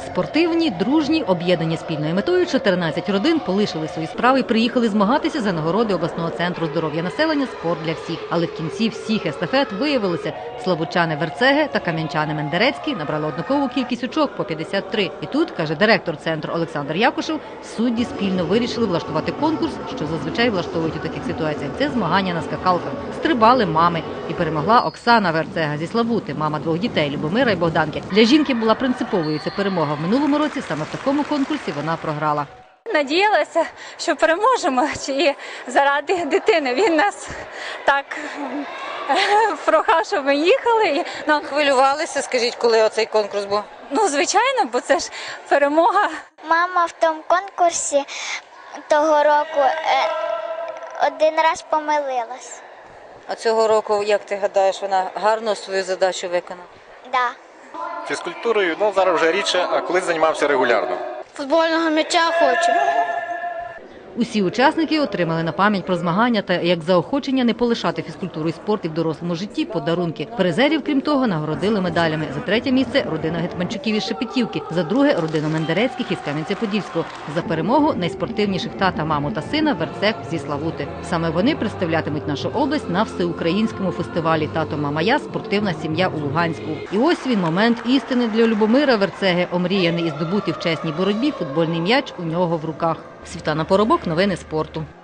Спортивні, дружні, об'єднані спільною метою, 14 родин полишили свої справи і приїхали змагатися за нагороди обласного центру здоров'я населення «Спорт для всіх». Але в кінці всіх естафет виявилося, славутчани Верцеге та кам'янчани Мендерецький набрали однакову кількість очок – по 53. І тут, каже директор центру Олександр Якушев, судді спільно вирішили влаштувати конкурс, що зазвичай влаштовують у таких ситуаціях. Це змагання на скакалках. Стрибали мами. І перемогла Оксана Верцега зі Славути, мама двох дітей – Любомира і Богданки. Для жінки була принциповою ця перемога. В минулому році саме в такому конкурсі вона програла. Надіялася, що переможемо, і заради дитини. Він нас так прохав, щоб ми їхали. Хвилювалися, скажіть, коли оцей конкурс був? Ну, звичайно, бо це ж перемога. Мама в тому конкурсі того року один раз помилилась. А цього року, як ти гадаєш, вона гарно свою задачу виконала? Да. Фізкультурою, зараз вже рідше, а колись займався регулярно. Футбольного м'яча хочу. Усі учасники отримали на пам'ять про змагання та як заохочення не полишати фізкультуру і спорт і в дорослому житті подарунки. Призерів, крім того, нагородили медалями. За третє місце – родина Гетманчуків із Шепетівки, за друге – родина Мендерецьких із Кам'янця-Подільського, за перемогу найспортивніших тата, маму та сина Верцег зі Славути. Саме вони представлятимуть нашу область на всеукраїнському фестивалі «Тато, мама, я. Спортивна сім'я у Луганську». І ось він, момент істини для Любомира Верцеги, омріяний і здобутий в чесній боротьбі футбольний м'яч у нього в руках. Світлана Поробок, новини спорту.